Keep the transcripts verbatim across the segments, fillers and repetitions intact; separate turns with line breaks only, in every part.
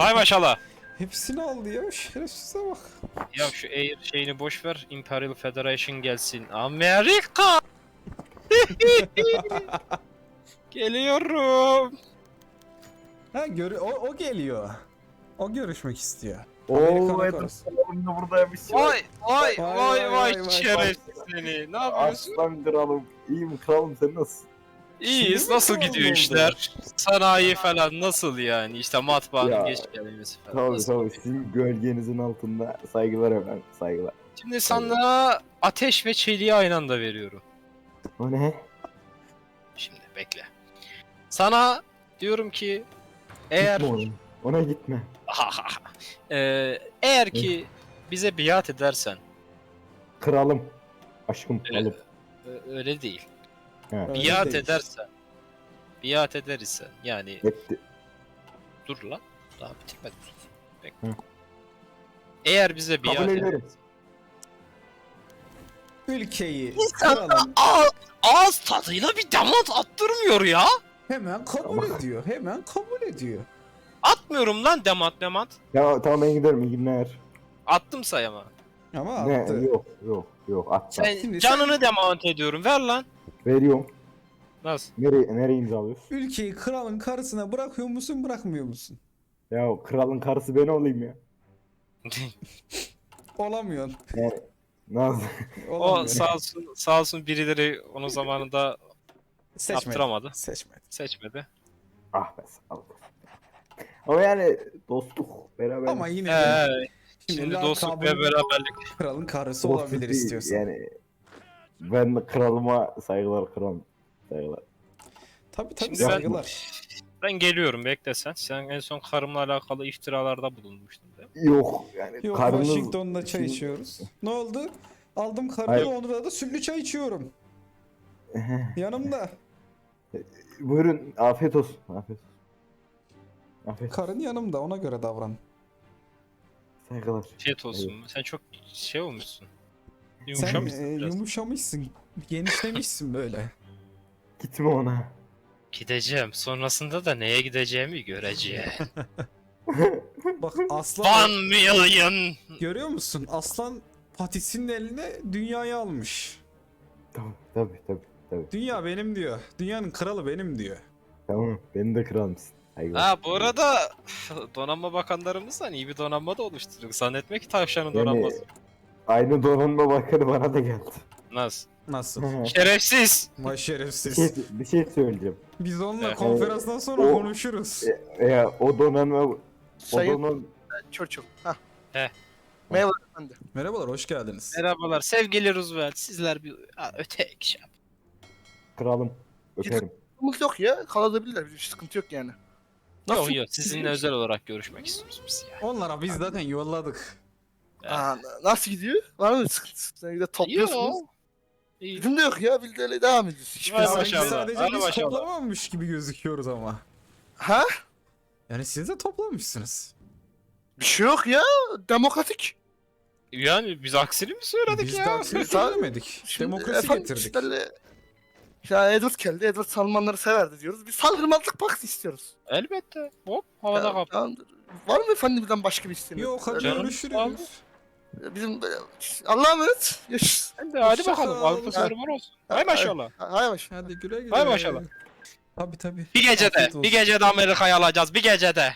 Hay maşallah.
Hepsini aldı ya, şerefsize bak.
Ya şu Air şeyini boş ver. Imperial Federation gelsin. Amerika. Geliyorum.
Ha gör o, o geliyor. O görüşmek istiyor.
Ooo
Amerikan
Edward
karısı.
Salom'un da buradaymış.
Vay vay
Vay,
vay
vay,
vay
vay, vay.
şerefsiz seni. Ne yapıyorsun?
Aslan kralım. İyiyim kralım, sen nasılsın?
İyiyiz.
Şimdi mi
Nasıl
kral
gidiyor
oldu?
işler? Sanayi falan nasıl yani? İşte matbaanın
Ya,
geç gelmesi falan.
Tabii
Nasıl?
tabii, sizin gölgenizin altında saygılar efendim, saygılar.
Şimdi sana ateş ve çeliği aynı anda veriyorum.
O ne?
Şimdi bekle. Sana diyorum ki eğer
Gitme ona. Ona gitme.
Ee, eğer ki bize biat edersen
Kralım. Aşkım
Evet.
kralım.
ö- öyle değil.
He.
Öyle
Biat
değil.
edersen biat eder ise yani
Etti.
dur lan daha bitirmedim. Bekle.
Hı.
Eğer bize biat
Kabul
edersen
ederim.
Ülkeyi
İnsanlar
kralın
ağız, ağız tadıyla bir damat attırmıyor ya.
hemen kabul
Ama-
ediyor. Hemen kabul ediyor.
Atmıyorum lan damat damat.
Ya tamam, ben giderim, iyi günler.
Attım sayama.
Ama
Ne?
attı.
Yok yok yok, atma.
Sen
Şimdi
canını demat ediyorum. Ver lan.
Veriyorum.
Nasıl?
Nereye, nereye imzalıyorsun?
Ülkeyi kralın karısına bırakıyor musun, bırakmıyor musun?
Ya kralın karısı ben olayım ya.
Olamıyorsun.
Yani nasıl?
O
Olamıyorsun.
sağ olsun, sağ olsun birileri onun zamanında
Seçmedi.
yaptıramadı.
Seçmedi.
Seçmedi.
Ah be, sağ ol. Ama yani dostluk beraber.
Ama yine de
Ee, şimdi dostluk
lakabın
ve beraberlik.
kralın karısı
dostluk
olabilir
değil,
istiyorsan.
Yani ben de kralıma saygılar, kralım. Saygılar.
Tabii tabii
Şimdi ben-
saygılar.
Ben geliyorum bekle sen. Sen en son karımla alakalı iftiralarda bulunmuştun değil mi?
Yok yani
Yok,
karınız...
Washington'da çay
Şimdi-
içiyoruz. Ne oldu? Aldım
Hayır.
karıyı, onda da sütlü çay içiyorum. Yanımda.
Buyurun, afiyet olsun. Afiyet olsun. Afiyet olsun.
Karın yanımda, ona göre davran.
Saygılar.
Afiyet olsun. Sen çok şey olmuşsun.
Sen
Yumuşamışsın
e,
biraz.
yumuşamışsın. Genişlemişsin böyle.
Gitme ona.
Gideceğim. Sonrasında da neye gideceğimi göreceğim.
Bak aslan,
One million.
görüyor musun? Aslan patisinin eline dünyayı almış.
Tamam, tabii tabii tabii.
Dünya benim diyor. Dünyanın kralı benim diyor.
Tamam, beni de kralımsın. Saygılar.
Ha bu arada donanma bakanlarımızdan iyi bir donanma da oluşturduk. Zannetme ki tavşanın
Yani
donanması.
aynı donanma bakanı bana da geldi.
Nasıl?
Nasıl?
Şerefsiz.
Vay
bir, şey,
şerefsiz.
bir şey söyleyeceğim.
Biz onunla
Evet.
konferanstan sonra
O-
konuşuruz.
E, ya o donanma... O
Sayın
donanma...
Churchill. Hah.
He.
Merhaba efendim.
Merhabalar, hoş geldiniz.
Merhabalar sevgili Roosevelt. Sizler bir ha, öte şey yap.
Kralım. Öperim.
Sıkıntımız yok ya. Kalabilirler. Bir sıkıntı yok yani.
Yok yok sizinle özel olarak görüşmek istiyoruz biz ya.
Onlara biz zaten yolladık.
Evet.
Aa, nasıl gidiyor? Var mı sıkıntı? Sen de topluyorsunuz.
Yok. İyi.
Bizim de yok ya. Biz de öyle devam ediyoruz. Hiçbir
Vay
zaman-
Sanki
maşallah,
sadece
hadi
biz
maşallah.
toplamamış gibi gözüküyoruz ama.
Ha?
Yani siz de toplamışsınız.
Bir şey yok ya. Demokratik.
Yani biz aksini mi söyledik
Biz
ya?
de aksini söylemedik.
Şimdi
Demokrasi
efendim,
getirdik.
sizlerle- Ya Edward geldi. Edward Salmanları severdi diyoruz. Biz saldırmazlık paktı istiyoruz.
Elbette. Hop havada
Ya,
kap.
tamamdır. Var mı efendimizden başka bir isteğiniz?
Yok, hadi
Canım,
görüşürüz.
sağ ol.
Bizim Allah'a emanet. Görüşürüz.
Hadi, hadi
Hoşça
bakalım.
kal.
Avrupa serüman olsun. Hay maşallah.
Hay baş.
Hadi güle güle.
Hay maşallah.
Tabii tabii.
Bir gecede,
Afiyet olsun.
bir gecede Amerika'yı alacağız. Bir gecede.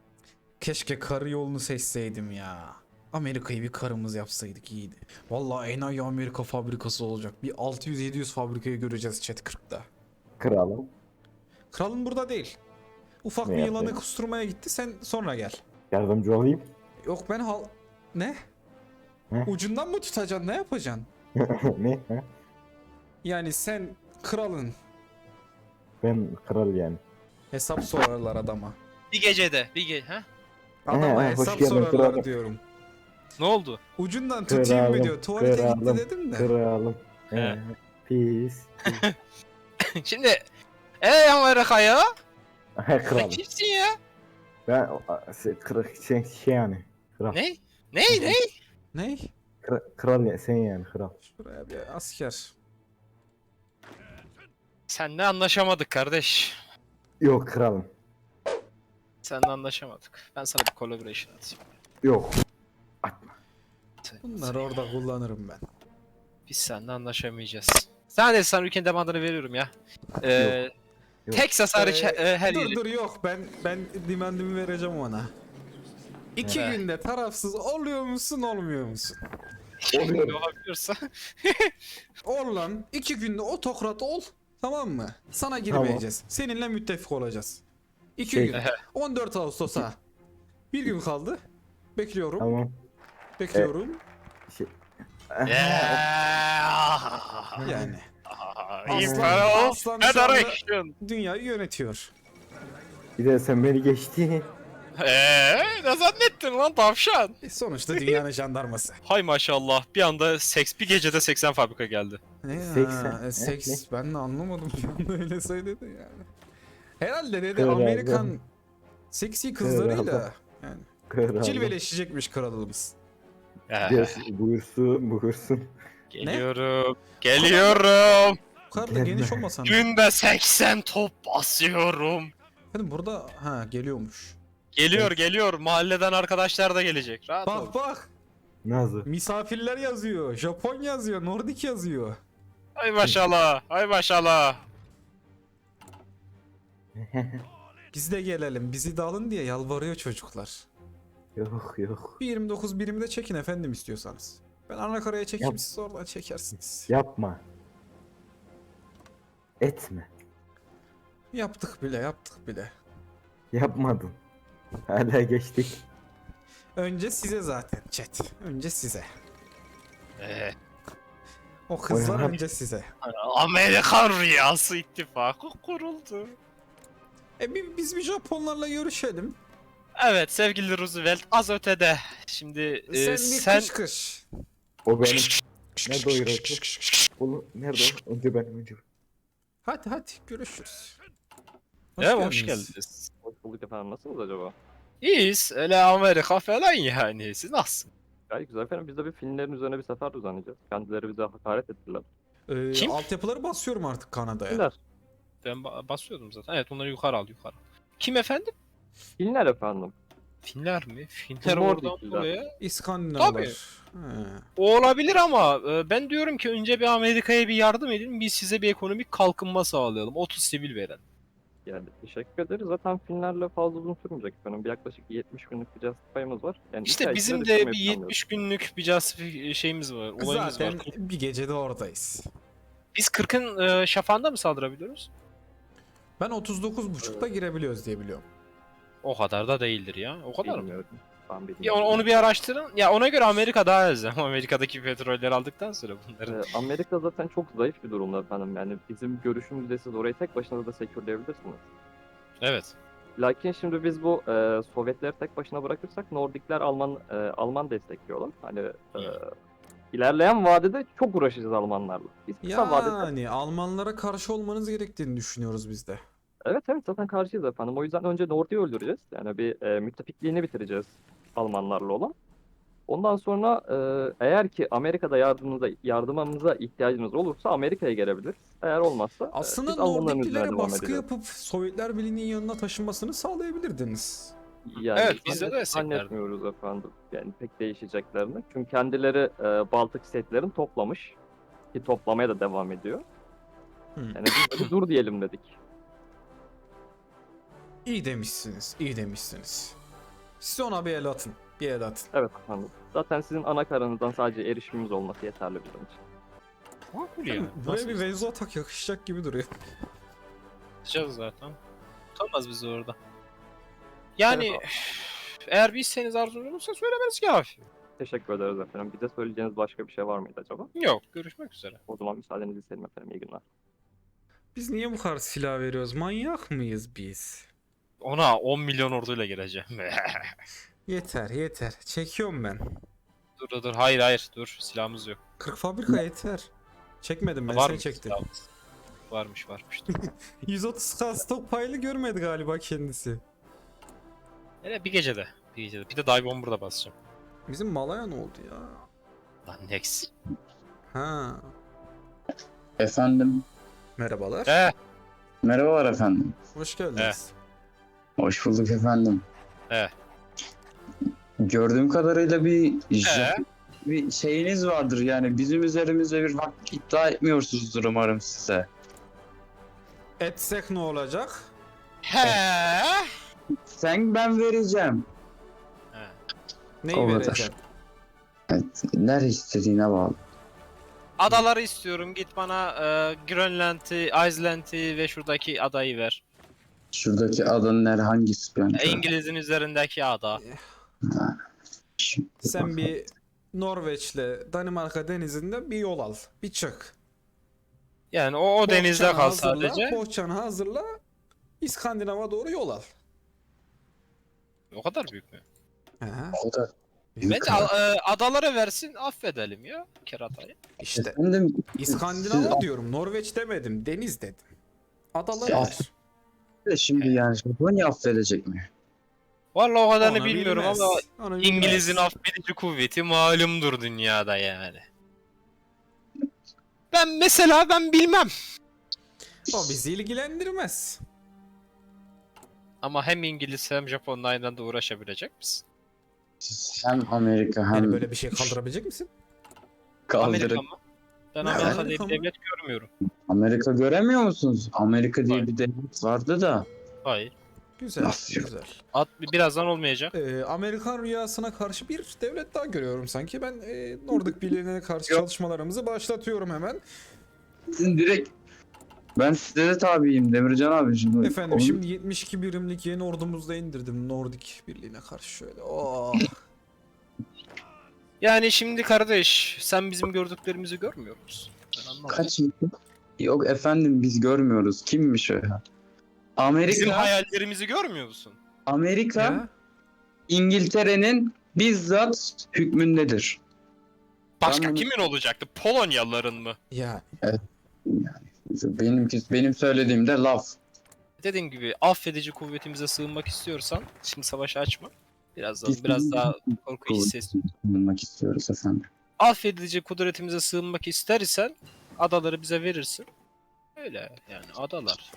Keşke karı yolunu seçseydim ya. Amerika'yı bir karımız yapsaydık iyiydi. Vallahi enayi Amerika fabrikası olacak. Bir altı yüz yedi yüz fabrikayı göreceğiz chat kırkta.
Kralım.
Kralın burada değil. Ufak
Ne
bir
yaptı?
yılanı kusturmaya gitti, sen sonra gel.
Yardımcı olayım.
Yok ben hal... Ne?
Ne?
Ucundan mı tutacaksın, ne yapacaksın?
Ne? Ha?
Yani sen kralın,
Ben kral yani.
hesap sorarlar adama.
Bir gecede, bir ge ha?
Adama
He, hoş
hesap
geldin
sorarlar
kralım.
diyorum.
Ne oldu?
Ucundan tutayım mı
Kralım,
diyor. Tuvalete gitti
kralım,
dedim de.
Kralım.
He.
He. Pis.
Şimdi ey Amerika'ya
He,
sen
kralım.
kimsin ya?
Ben o- şey, kra- şey, şey yani. Kral.
Ne? Ne? Ne?
Ne?
Kra- kral ya, sen yani kral.
Şuraya bir asker.
Seninle anlaşamadık kardeş.
Yok kralım.
Seninle anlaşamadık. Ben sana bir collaboration atayım.
Yok. Atma.
Bunları orada kullanırım ben.
Biz seninle anlaşamayacağız. Sen de sana ülkenin demandını veriyorum ya. Ee,
Yok.
Texas hariç
Ee,
e, her
dur
yeri.
dur yok ben ben demandimi vereceğim ona. İki
Evet.
günde tarafsız oluyor musun olmuyor musun?
Ne olabiliyorsa.
Ol lan. İki günde otokrat ol. Tamam mı? Sana girmeyeceğiz. Seninle müttefik olacağız. İki
Şey-
gün. on dört Ağustos'a. Bir gün kaldı. Bekliyorum.
Tamam.
Bekliyorum.
Şey.
Yani.
İyi
Aslan-
para o.
Aslan şu anda-
Federation.
Dünyayı yönetiyor.
Bir de sen beni geçtin.
Eee ne zannettin lan tavşan?
E, sonuçta dünyanın jandarması.
Hay maşallah bir anda seks bir gecede seksen fabrika geldi.
Ne ya?
seksen.
E, Seks. Ben de anlamadım. Bir anda öyle söyledi yani. Herhalde dedi
Herhalde.
Amerikan seksi kızlarıyla
Herhalde.
yani
Kral.
cilveleşecekmiş kralımız.
Yes, buyursun buyursun.
Geliyorum. Geliyorum.
Bu kadar da
Gelme.
geniş olmasan. da.
Günde seksen top basıyorum.
Efendim burada ha geliyormuş.
Geliyor geliyor. Mahalleden arkadaşlar da gelecek. Rahat ol.
Bak bak.
Nazı.
Misafirler yazıyor. Japon yazıyor. Nordik yazıyor.
Ay maşallah. Ay maşallah.
Biz de gelelim. Bizi de alın diye yalvarıyor çocuklar.
Yok yok.
Bir yirmi dokuz birimi de çekin efendim istiyorsanız. Ben anakaraya çekeyim
Yap.
siz oradan çekersiniz.
Yapma. Etme.
Yaptık bile yaptık bile.
Yapmadın. Hala geçtik.
Önce size zaten chat. Önce size.
Ee,
O kızlar
Oyalan.
önce size.
Amerikan Rüyası İttifakı kuruldu.
E bi- biz bir Japonlarla görüşelim.
Evet sevgili Roosevelt az ötede. Şimdi e,
sen bir
sen...
kış kış.
O benim. Nerede o Iraklı? Oğlum nerede o? Önce benim önce.
Hadi hadi görüşürüz. Hoş
Evet, hoş
geldiniz.
geldiniz.
Hoş bulduk efendim. Nasılsınız acaba?
İyiyiz. Öyle Amerika falan yani. Siz nasılsınız?
Gayet güzel efendim. Biz de bir filmlerin üzerine bir sefer düzenleyeceğiz. Kendileri bize hakaret ettiler.
Ee,
Kim?
Altyapıları basıyorum artık Kanada'ya.
Filmler.
Ben ba- basıyordum zaten. Evet onları yukarı al yukarı. Kim efendim?
Filmler efendim.
Finler mi? Finler
Nordik
oradan
filmler.
buraya.
İskandinavlar. He.
O olabilir ama e, ben diyorum ki önce bir Amerika'ya bir yardım edin. Biz size bir ekonomik kalkınma sağlayalım. otuz sivil veren.
Yani teşekkür ederiz. Zaten filmlerle fazla uzun sürmeyecek efendim. Bir yaklaşık yetmiş günlük bir justify'ımız var. Yani iki
İşte
ay
bizim
içinde
de
bitirmeyi
bir
planlıyoruz.
yetmiş günlük bir justifi şeyimiz var. Olayımız
Zaten
var.
bir gecede oradayız.
Biz kırkın e, şafağında mı saldırabiliyoruz?
Ben otuz dokuz buçukta girebiliyoruz diye biliyorum.
O kadar da değildir ya. O kadar mı?
Bilmiyorum. Ben
Bir
bilmiyorum.
onu, onu bir araştırın. Ya ona göre Amerika daha az. Amerika'daki petrolleri aldıktan sonra bunların.
Ee, Amerika zaten çok zayıf bir durumda efendim. Yani bizim görüşümüzde siz orayı tek başına da sekürleyebilirsiniz.
Evet.
Lakin şimdi biz bu e, Sovyetleri tek başına bırakırsak Nordikler Alman e, Alman destekliyorlar. Hani e, ilerleyen vadede çok uğraşacağız Almanlarla. Biz kısa vadede
Yani Almanlara karşı olmanız gerektiğini düşünüyoruz biz de.
evet evet zaten karşıyız efendim. O yüzden önce Nordik'i öldüreceğiz. Yani bir e, müttefikliğini bitireceğiz Almanlarla olan. Ondan sonra e, eğer ki Amerika'da yardımımıza, yardımımıza ihtiyacınız olursa Amerika'ya gelebiliriz. Eğer olmazsa e,
Aslında
biz Almanların üzerine
Nordiklilere
devam
baskı
edeceğiz.
yapıp Sovyetler Birliği'nin yanına taşınmasını sağlayabilirdiniz.
Yani
Evet, biz de
zannet-
desteklerdik.
zannetmiyoruz efendim. Yani pek değişeceklerini. Çünkü kendileri e, Baltık setlerini toplamış. Ki toplamaya da devam ediyor.
Hı.
Yani biz de bir dur diyelim dedik.
İyi demişsiniz, iyi demişsiniz. Siz ona bir el atın, bir el atın.
Evet efendim. Zaten sizin ana karanızdan sadece erişimimiz olması yeterli bizim için.
Makul ya.
Buraya bir Venzo atak yakışacak gibi duruyor.
Yapacağız zaten. Tutamaz bizi orada. Yani eğer bir isteğiniz arzunuz olursa söylemeniz kafi.
Teşekkür ederiz efendim. Bize söyleyeceğiniz başka bir şey var mıydı acaba?
Yok. Görüşmek üzere.
O zaman müsaadenizi isterim efendim. İyi günler.
Biz niye bu kadar silah veriyoruz? Manyak mıyız biz?
Ona on milyon orduyla geleceğim.
Yeter, yeter. Çekiyorum ben.
dur dur dur. Hayır hayır. Dur. Silahımız yok.
kırk fabrika yeter. Çekmedim ben,
Var
seni
mı
çektim.
silahımız? Varmış varmış.
yüz otuz K stockpile'ı görmedi galiba kendisi.
Hele bir gecede. Bir gecede. Bir de dive bomber'da basacağım.
Bizim Malaya ne oldu ya?
Lan next.
Ha.
Efendim,
Merhabalar.
He.
merhabalar efendim.
Hoş geldiniz.
Hoş bulduk efendim.
Evet.
Gördüğüm kadarıyla bir
Ee?
bir şeyiniz vardır yani bizim üzerimizde bir hak iddia etmiyorsunuzdur umarım size.
Etsek ne olacak?
He.
Sen ben vereceğim.
He.
Neyi
O kadar.
vereceksin?
Evet, nerede istediğine bağlı.
Adaları istiyorum. Git bana e, Grönland'i, Iceland'i ve şuradaki adayı ver.
Şuradaki adanın her hangisi ben?
E, İngiliz'in üzerindeki ada.
Şimdi
Sen
bak-
bir Norveç'le Danimarka denizinde bir yol al. Bir çık.
Yani o, o denizde
Bohçanı
kal
hazırla,
sadece.
Bohçanı hazırla. İskandinav'a doğru yol al.
O kadar büyük mü?
He.
O da büyük
Bence
ama.
a- e, adalara versin, affedelim ya keratayı.
İşte
Efendim,
İskandinav'a
siz-
diyorum. Norveç demedim. Deniz dedim. Adaları
Ya.
ver.
de şimdi yani Japonya affedecek mi?
Vallahi o kadarını
Onu
bilmiyorum
bilmez.
ama
Onu bilmez.
İngiliz'in affedici kuvveti malumdur dünyada yani. Ben mesela ben bilmem.
O bizi ilgilendirmez.
Ama hem İngiliz hem Japon'la aynı anda uğraşabilecek misin?
Siz hem Amerika hem
Yani böyle bir şey kaldırabilecek misin?
Amerika
kaldırıp
mı? Ben
Ne,
Amerika diye
Amerika
bir
mı?
devlet görmüyorum.
Amerika göremiyor musunuz? Amerika diye
Hayır.
bir devlet vardı da.
Hayır.
Güzel,
Nasıl yok?
güzel.
At, birazdan olmayacak.
Ee, Amerikan rüyasına karşı bir devlet daha görüyorum sanki. Ben e, Nordik Birliği'ne karşı
Yok.
çalışmalarımızı başlatıyorum hemen.
Sizin direkt ben size de tabiyim Demircan abi şimdi.
Efendim
Onu-
şimdi yetmiş iki birimlik yeni ordumuzda indirdim Nordik Birliği'ne karşı şöyle. Oh.
Yani şimdi kardeş sen bizim gördüklerimizi görmüyor musun? Ben anlamadım.
Kaç Yok efendim biz görmüyoruz. Kimmiş o ya? Amerika,
Bizim hayallerimizi görmüyor musun?
Amerika
Ya,
İngiltere'nin bizzat hükmündedir.
Başka
Ben bunu-
kimin olacaktı? Polonyalıların mı?
ya
Benim benim söylediğimde laf.
Dediğim gibi affedici kuvvetimize sığınmak istiyorsan şimdi savaşı açma. Biraz daha,
Biz-
biraz daha korku hisset.
Bulmak istiyoruz efendim.
Affedici kudretimize sığınmak istersen adaları bize verirsin. Öyle yani adalar.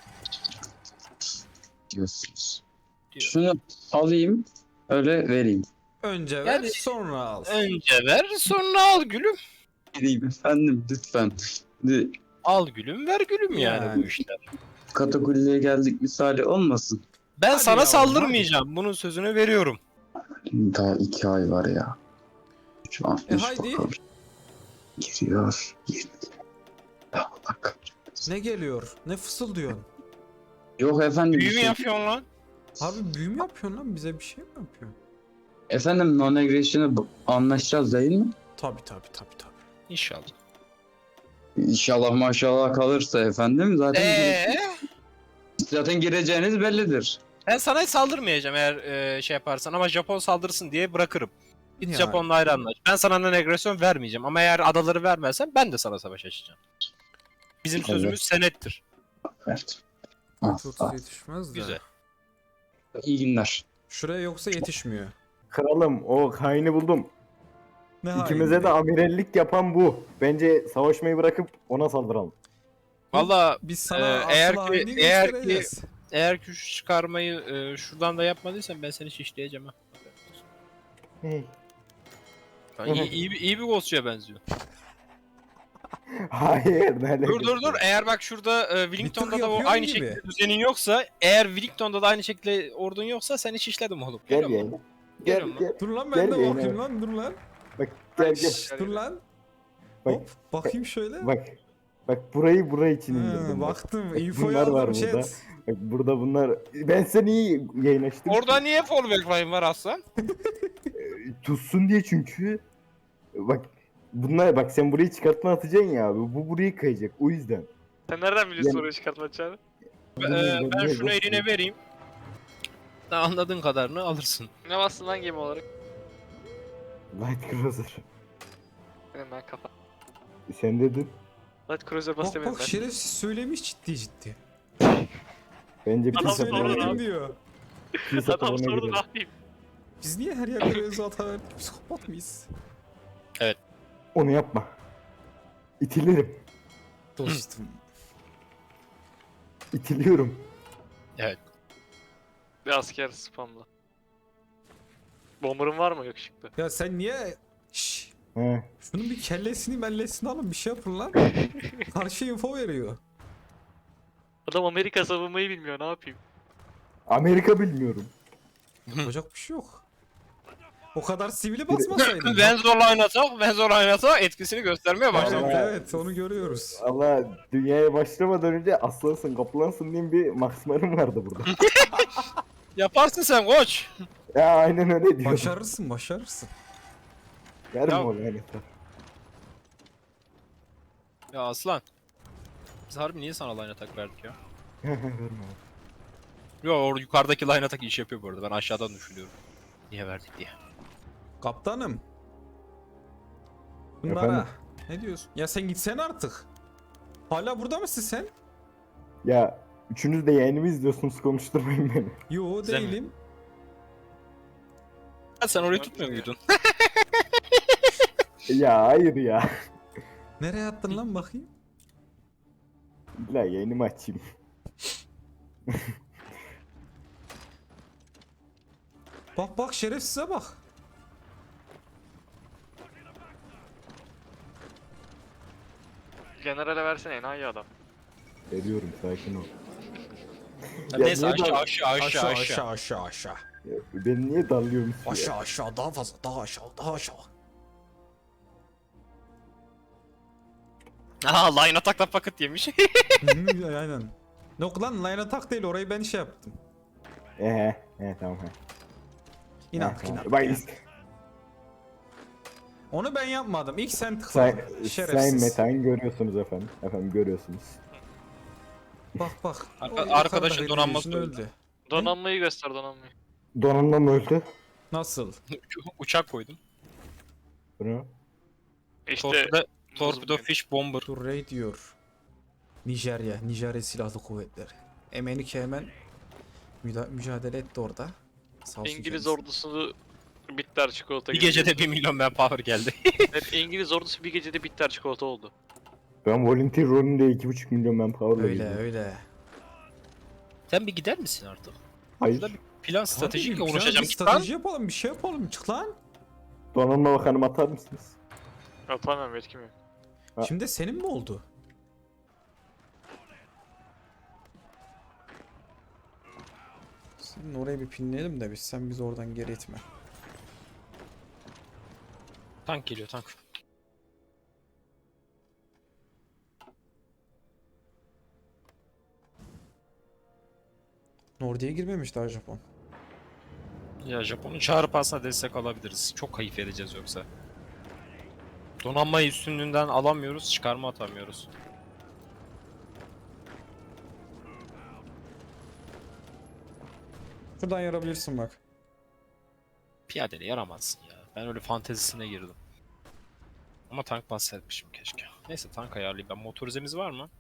Diyorsunuz.
Diyor.
Şunu alayım öyle vereyim.
önce ver
Yani-
sonra al.
Önce ver sonra al gülüm.
Vereyim efendim lütfen. Şimdi
Al gülüm ver gülüm yani,
Yani.
bu işler.
katakulliye geldik misali olmasın.
Ben
Hadi
sana
yavrum,
saldırmayacağım. Bunun sözünü veriyorum.
Daha iki ay var ya. Şu an
E
üç
haydi.
bakalım. Giriyor. yirmi. Ya bak.
Ne geliyor? Ne fısıldıyorsun?
Yok efendim.
Büyü
bir
mü
şey-
yapıyorsun lan?
Abi büyü mü yapıyorsun lan? Bize bir şey mi yapıyorsun?
Efendim non-aggression'ı bu- anlaşacağız değil mi?
Tabi tabi tabi tabi.
İnşallah.
İnşallah maşallah kalırsa efendim zaten
Eee?
gire- zaten gireceğiniz bellidir.
Ben sana hiç saldırmayacağım eğer e, şey yaparsan ama Japon saldırsın diye bırakırım. Git
Yani.
Japon'la ayrı anlaş. Ben sana non-agresyon vermeyeceğim ama eğer adaları vermezsen ben de sana savaş açacağım. Bizim
Evet.
sözümüz senettir.
Evet. Ah,
Çok
ah.
yetişmez de.
Güzel.
İyi günler.
Şuraya yoksa yetişmiyor.
Kralım o haini buldum.
Ne
İkimize
haini?
de amirallik yapan bu. Bence savaşmayı bırakıp ona saldıralım.
Valla
Biz sana
Ee,
asıl
eğer ki-
haini
eğer ki-
göstereceğiz.
eğer ki şu çıkarmayı e, şuradan da yapmadıysan ben seni şişleyeceğim ha.
Hey.
Ha, iyi, iyi, bir- iyi bir ghostçuya benziyor.
Hayır. Ne
Dur dur dur. Eğer bak şurada e, Wellington'da da o
yapıyor
aynı
gibi.
şekilde düzenin yoksa, eğer Wellington'da da aynı şekilde ordun yoksa seni şişledim oğlum.
Gel
Geliyor musun?
gel. Gel
Geliyor
gel.
Dur lan
Gel
ben de
yayına
bakayım
bak.
lan dur lan.
Bak gel gel.
Şşş, dur lan.
Bak.
Hop bakayım şöyle.
Bak. Bak burayı burayı için indirdim.
Ha,
bak.
baktım.
Bak,
Infoyu
bunlar var
aldım
burada.
chat.
Bak burada bunlar. Ben seni iyi yayın açtım.
Orada niye fallback line var aslan?
Tutsun diye çünkü. Bak bunlar bak sen burayı çıkartma atacaksın ya abi. Bu burayı kayacak. O yüzden.
Sen nereden biliyorsun
Yani-
orayı çıkartmayacağını?
Ee, ben şunu eline vereyim. Sen anladığın kadarını alırsın.
Ne bastın lan gemi olarak?
Light Cruiser.
Benim ben kafa.
Sen dedin.
Light Cruiser bas
Bak
demedim
bak
ben.
şerefsiz söylemiş ciddi ciddi.
Bence bir
Adam
kilise
sonra
falan
ne
Söyledim
girelim.
diyor.
Kilise
Adam
falan
sordu ne
girelim.
yapayım?
Biz niye her yerde Rezo hata verdik? Psikopat mıyız?
Onu yapma. İtilirim.
Dostum.
İtiliyorum.
Bir asker spamla. Bomber'ın var mı yakışıklı?
Ya sen niye... Şşş.
He.
Şunun bir kellesini mellesini alın bir şey yapın lan. Karşı info veriyor.
Adam Amerika savunmayı bilmiyor, ne yapayım?
Amerika bilmiyorum.
Yapacak bir şey yok. O kadar sivili basmasaydın.
Ben zorla oynasak, ben zorla oynasak etkisini göstermeye başladı.
Evet,
Ama-
evet onu görüyoruz.
Allah dünyaya başlamadan önce aslansın kaplansın diye bir maksimarım vardı burada.
Yaparsın sen koç.
Ya aynen öyle diyor.
Başarırsın başarırsın.
Ver mi
Ya-
o lanetler?
Ya aslan. Biz harbi niye sana line attack verdik ya?
Verme abi.
Yo orada yukarıdaki line attack iş yapıyor bu arada. Ben aşağıdan düşünüyorum. Niye verdik diye.
Kaptanım. Bunlara.
Efendim?
Ne diyorsun? Ya sen gitsen artık. Hala burada mısın sen?
Ya üçünüz de yayınımı izliyorsunuz konuşturmayın beni.
Yo
Sen mi?
değilim.
Ha, sen orayı tutmuyor muydun?
Ya hayır ya.
Nereye attın lan bakayım?
İlla yayınımı açayım.
Bak bak şerefsize bak.
Generale versene, enayi adam.
Veriyorum sakin ol.
Ya
Ya
neyse
niye
aşağı
dal-
aşağı aşağı
Aşağı
aşağı.
aşağı aşağı aşağı.
Ya, beni niye dallıyorsun ya?
Aşağı aşağı daha fazla daha aşağı daha aşağı.
Aha line attack'la paket yemiş.
Hı, aynen. Yok lan line attack değil orayı ben şey yaptım.
Ehe, he tamam he.
İnat
He, tamam.
inat.
Bak
inat.
is-
Onu ben yapmadım. İlk sen
say,
tıkladın.
sayın
Şerefsiz.
Metain görüyorsunuz efendim. Efendim görüyorsunuz.
Bak bak.
Arka-
O yukarıda
arkadaşın
Red
donanması
Division
öldü.
Donanmayı göster, donanmayı.
Donanma mı öldü?
Nasıl?
Uçak koydum.
Bunu.
İşte
Torpido, torpido fish bomber.
Dur Ray diyor. Nijerya. Nijerya Silahlı Kuvvetleri. Emenike hemen müda- mücadele etti orada. Sağ olsun
İngiliz
kendisi.
ordusunu bitter çikolata
Bir
gibi.
gecede bir milyon manpower geldi.
Evet, İngiliz ordusu bir gecede bitter çikolata oldu.
Ben volunteer rolünde iki buçuk milyon manpower'la
Öyle
girdim.
öyle.
Sen bir gider misin artık?
Hayır.
Şurada bir plan stratejikle
Abi, güzel
uğraşacağım
bir
git lan.
strateji yapalım bir şey yapalım çık lan.
Donanma bakanım atar mısınız?
Atamam, yetkim yok.
Ha.
Şimdi senin mi oldu? Senin orayı bir pinleyelim de biz sen bizi oradan geri itme.
Tank geliyor tank.
Nordi'ye girmemiş daha Japon.
Ya Japon'un çağrı pasına destek alabiliriz. Çok kayıp edeceğiz yoksa. Donanmayı üstünlüğünden alamıyoruz, çıkarma atamıyoruz.
Şuradan yarabilirsin bak.
Piyadeli yaramazsın ya. Ben öyle fantezisine girdim. Ama tank bahsetmişim keşke. Neyse tank ayarlayayım ben. Motorizemiz var mı?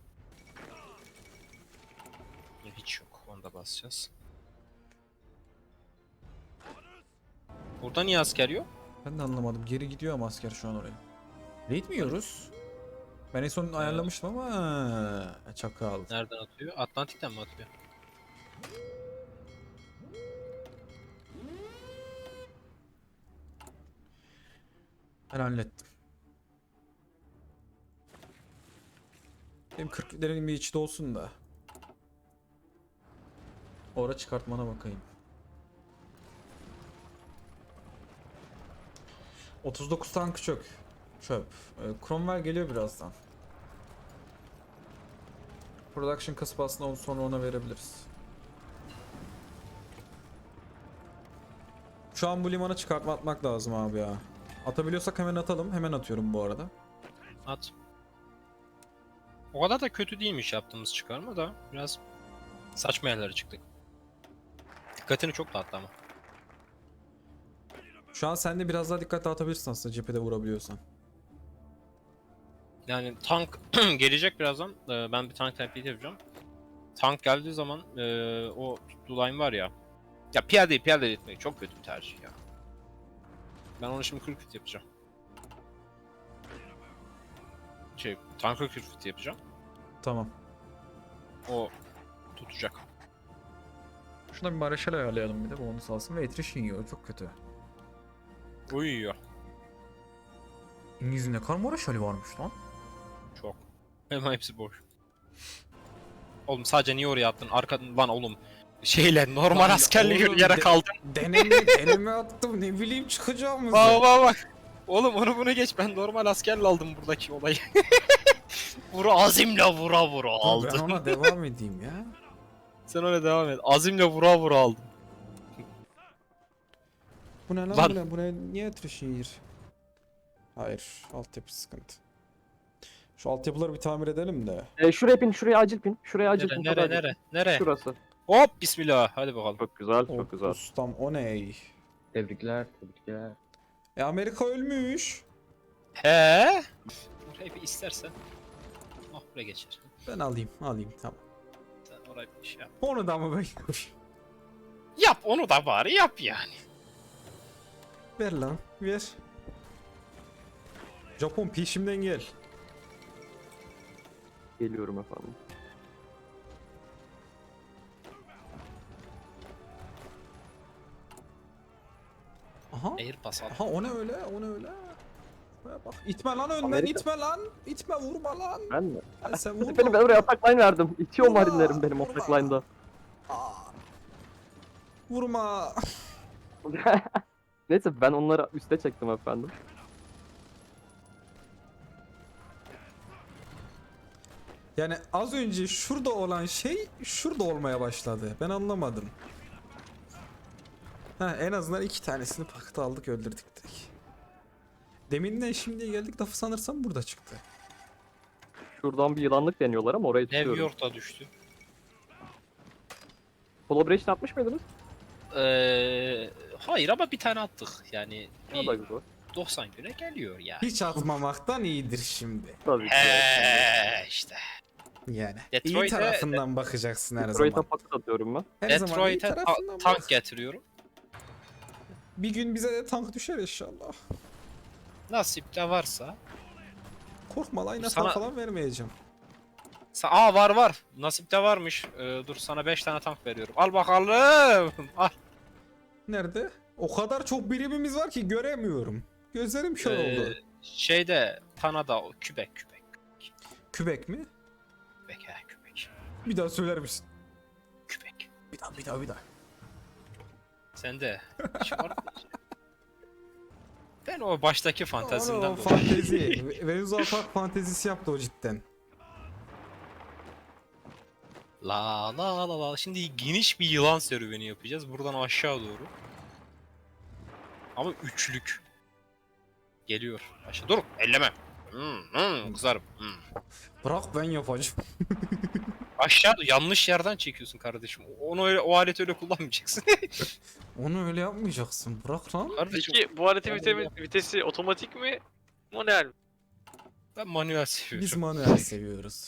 Hiç yok. Onu da basacağız. Burada niye asker yok?
Ben de anlamadım. Geri gidiyor ama asker şu an oraya. Raid mi yiyoruz? Ben en son ayarlamıştım ama ha, çakal.
Nereden atıyor? Atlantik'ten mi atıyor?
Ben hallettim. Benim kırkların bir içi de olsun da. Ora çıkartmana bakayım. otuz dokuz tankı çök. Çöp. Ee, Cromwell geliyor birazdan. Production kasıp aslında onu sonra ona verebiliriz. Şu an bu limana çıkartma atmak lazım abi ya. Atabiliyorsak hemen atalım. Hemen atıyorum bu arada.
At. O kadar da kötü değilmiş yaptığımız çıkarma da biraz saçma yerlere çıktık. Dikkatini çok dağıttı ama.
Şu an sen de biraz daha dikkat dağıtabilirsin aslında cephede vurabiliyorsan.
Yani tank gelecek birazdan. Ee, ben bir tank template yapacağım. Tank geldiği zaman ee, o tuttuğu line var ya. Ya piyadeyi piyade etmek çok kötü bir tercih ya. Ben onu şimdi kırk fit yapacağım. Şey, tankı kırk fit yapacağım.
Tamam.
O tutacak.
Şuna bir Mareşal ayarlayalım bir de bonus alsın ve attrition yiyor. Çok kötü.
Uyuyor.
İngiliz'in ne kadar Mareşal'i varmış lan.
Çok. Hemen hepsi boş. Oğlum sadece niye oraya attın? Arka lan oğlum. Şeyle normal
Lan
askerle
oğlum,
yürüyerek
de-
kaldım.
Deneme, elime attım ne bileyim çıkacağımızı.
Bak bak bak. Oğlum onu bunu geç. Ben normal askerle aldım buradaki olayı. Vur azimle vura vura
Dur, ben
aldım.
ona devam edeyim ya.
Sen öyle devam et. Azimle vura vura aldım.
Bu ne lan,
Lan.
bu ne? Bu ne? Niye attrition yer? Hayır, altyapı sıkıntı. Şu altyapıları bir tamir edelim de.
E, şuraya pin, şuraya acil pin. Şuraya acil
Nere
pin.
nere
çok acil.
nere? Nere?
Şurası.
Hop bismillah. Hadi bakalım.
Çok güzel,
O
çok güzel.
ustam o ne?
Tebrikler, tebrikler.
E Amerika ölmüş.
He? Orayı bir istersen. Oh buraya geçer.
Ben alayım, alayım tamam.
Sen orayı bir şey yap.
Onu da mı ben yapayım?
Yap onu da bari yap yani.
Ver lan, ver. Japon peşimden gel.
Geliyorum efendim.
Aha.
Airbus al.
Aha o ne öyle, o ne öyle. Şuraya bak, itme lan önden,
Amerika.
itme lan. İtme, vurma lan.
Ben mi?
Ya sen vurma.
Benim ben oraya atak line verdim. İtiyor
Vurma,
marinlerim benim
vurma.
atak line'da.
Aa. Vurma.
Neyse ben onları üste çektim efendim.
Yani az önce şurada olan şey şurada olmaya başladı. Ben anlamadım. Ha, en azından iki tanesini pakta aldık, öldürdük direkt. Deminden şimdiye geldik, lafı sanırsam burada çıktı.
Şuradan bir yılanlık deniyorlar ama orayı
New
tutuyorum.
York'ta düştü.
Collaboration atmış mıydınız?
Ee, hayır ama bir tane attık. Yani
O da
bir
güzel.
doksan güne geliyor yani.
Hiç atmamaktan iyidir şimdi.
Tabii ki.
He işte.
Yani. iyi
Detroit'e-
tarafından bakacaksın her
Detroit'e
zaman.
paket atıyorum ben.
Her zaman iyi
Detroit'e ta-
tarafından
tank
bak.
getiriyorum.
Bir gün bize de tank düşer inşallah.
Nasip de varsa.
Korkma lan,
Sana-
falan vermeyeceğim.
Sa Aa var var. Nasip de varmış. Ee, dur sana beş tane tank veriyorum. Al bakalım. Al.
Nerede? O kadar çok birimimiz var ki göremiyorum. Gözlerim kör
Ee,
oldu.
Şeyde Tanada o kübek kübek.
Kübek mi?
Kübek he kübek.
Bir daha söyler misin?
Kübek.
Bir daha, bir daha, bir daha.
Sen de. Hiç var mı? Ben o baştaki fantezimden
Onu, o
dolayı.
fantezi. Venüs Park fantezisi yaptı o cidden.
La la la la. Şimdi geniş bir yılan serüveni yapacağız. Buradan aşağı doğru. Ama üçlük. Geliyor. Aşağı. Dur. Elleme. Hmm, hmm, kızarım. Hmm.
Bırak ben yapacağım.
Aşağı yanlış yerden çekiyorsun kardeşim. Onu öyle, o aleti öyle kullanmayacaksın.
Onu öyle yapmayacaksın. Bırak lan.
kardeşim
Peki bu aletin
Ben
vitesi, vitesi otomatik mi? Manuel mi?
ben manuel seviyorum.
Biz manuel seviyoruz.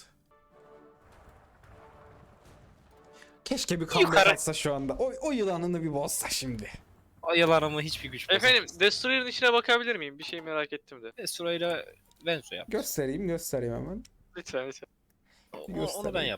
Keşke bir comeback
Yukarı.
atsa şu anda. O, o yılanını bir bozsa şimdi.
Ayılarıma hiçbir güç
Efendim
bozamaz.
Destroyer'ın içine bakabilir miyim? Bir şey merak ettim de.
Desura ile Venzo yap.
Göstereyim, göstereyim hemen.
Lütfen lütfen.
O- o-
göster
onu ben
ya.
yap.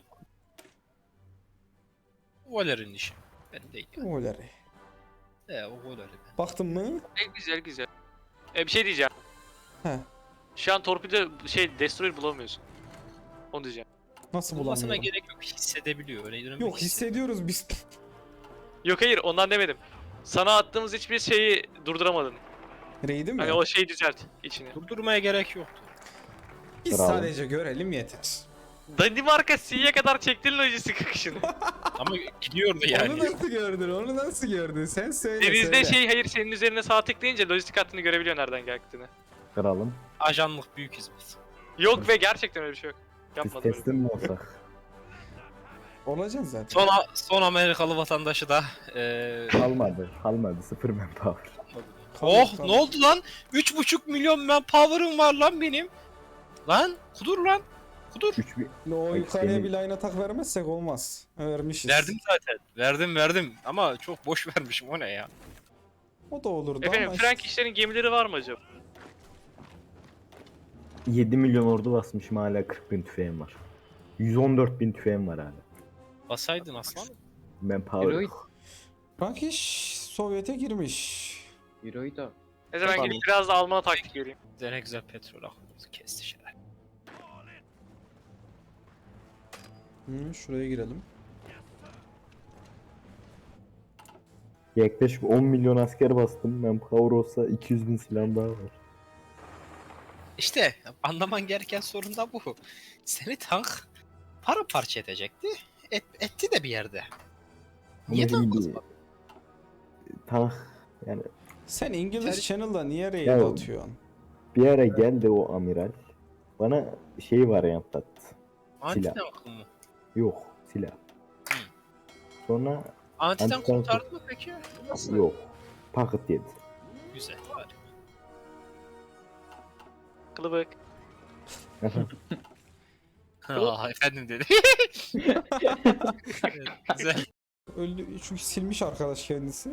Valer'in işi. Ben değil. Yani.
Oleri.
E, o Valer'i ben.
Baktın mı?
E, güzel güzel. E, bir şey diyeceğim.
He.
Şu an torpido şey Destroyer bulamıyorsun. Onu diyeceğim.
Nasıl
Bulmasına
bulamıyorum?
gerek yok. Hissedebiliyor. Öyle öyle
Yok,
bir
hissediyoruz biz.
Yok hayır ondan demedim. Sana attığımız hiçbir şeyi durduramadın.
Raid'i mi?
Hani o şeyi düzelt içini.
Durdurmaya gerek yoktu.
Biz
Bravo.
sadece görelim yeter.
Danimarka C'ye kadar çektin lojistik akışını.
Ama gidiyordu
Onu
yani.
nasıl gördün? Onu nasıl gördün? Sen söyle
Denizde
söyle.
şey hayır senin üzerine sağ tıklayınca lojistik hattını görebiliyor nereden geldiğini.
Kralım.
Ajanlık büyük hizmet.
Yok ve gerçekten öyle bir şey yok.
Biz
Yapmadım öyle.
teslim mi olsak?
Olacaksın zaten.
Son, son Amerikalı vatandaşı da eee
Kalmadı. Kalmadı. Sıfır manpower.
Oh
Kalk,
ne oldu lan? üç buçuk milyon manpower'ım var lan benim. Lan kudur lan. Kudur.
Üç bir...
O
Ay,
yukarıya
seni-
bir line atak vermezsek olmaz. Vermişiz.
Verdim zaten. Verdim verdim. Ama çok boş vermişim o ne ya.
O da olurdu
Efendim
ama
Frank işlerin gemileri var mı acaba?
yedi milyon ordu basmışım, hala kırk bin tüfeğim var. yüz on dört bin tüfeğim var hala.
Basaydın aslan.
Manpower
Heroic,
yok.
Frankiş Sovyet'e girmiş.
Euro'yu da.
Neyse ben
Tamam.
gidip biraz da Alman taktik göreyim.
Bize ne güzel petrol aklımızı kesti şeyler.
Hı, şuraya girelim.
Yaklaşık on milyon asker bastım. Ben Power olsa iki yüz bin silahım daha var.
İşte anlaman gereken sorun da bu. Seni tank paramparça edecekti. Et, etti de bir yerde. Niye
Ama
tank
şimdi
atmadın?
tank yani
Sen İngiliz
Ter-
Channel'da niye raid
Ya-
atıyorsun?
bir ara geldi o amiral. Bana şey varyant attı.
Anti
silah.
tank mı?
Yok silah. Sonra
Anti tank
Anti-tank-
kurtardı mı peki? Nasıl?
yok. Paket yedi.
Güzel. Hadi.
Kılıbık.
Aa, efendim dedi. Evet, güzel.
Öldü çünkü silmiş arkadaş kendisi.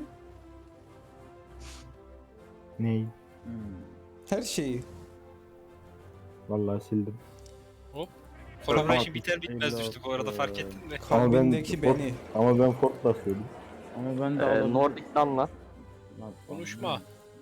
Ney?
Her şeyi.
Vallahi sildim.
Formation biter bitmez düştük o arada fark ettin mi?
Ama ben
Kalbindeki
Ford-
beni.
Ama ben Ford basıyordum.
Ama ben de
Ee,
alalım.
Nordic'danla.
Konuşma.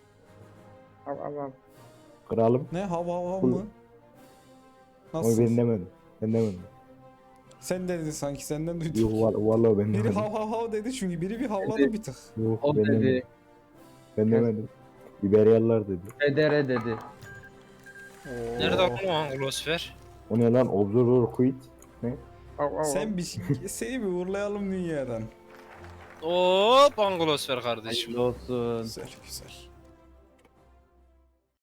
Kralım.
Ne hav hav hav
Bu-
mı?
Ama
Nasıl?
ben demedim. Ben demedim.
Sen dedin sanki senden duydum.
Yok val- vallahi ben
Biri
demedim.
hav hav hav dedi çünkü biri bir havladı bir tık.
Yok
O
ben demedim.
dedi.
Ben demedim. İberyalılar dedi.
Federe dedi.
Nerede o Anglosfer?
O ne lan? Observer quit.
Sen bir seni bir uğurlayalım dünyadan.
Hop Anglosfer kardeşim.
Hayırlı olsun.
Güzel güzel.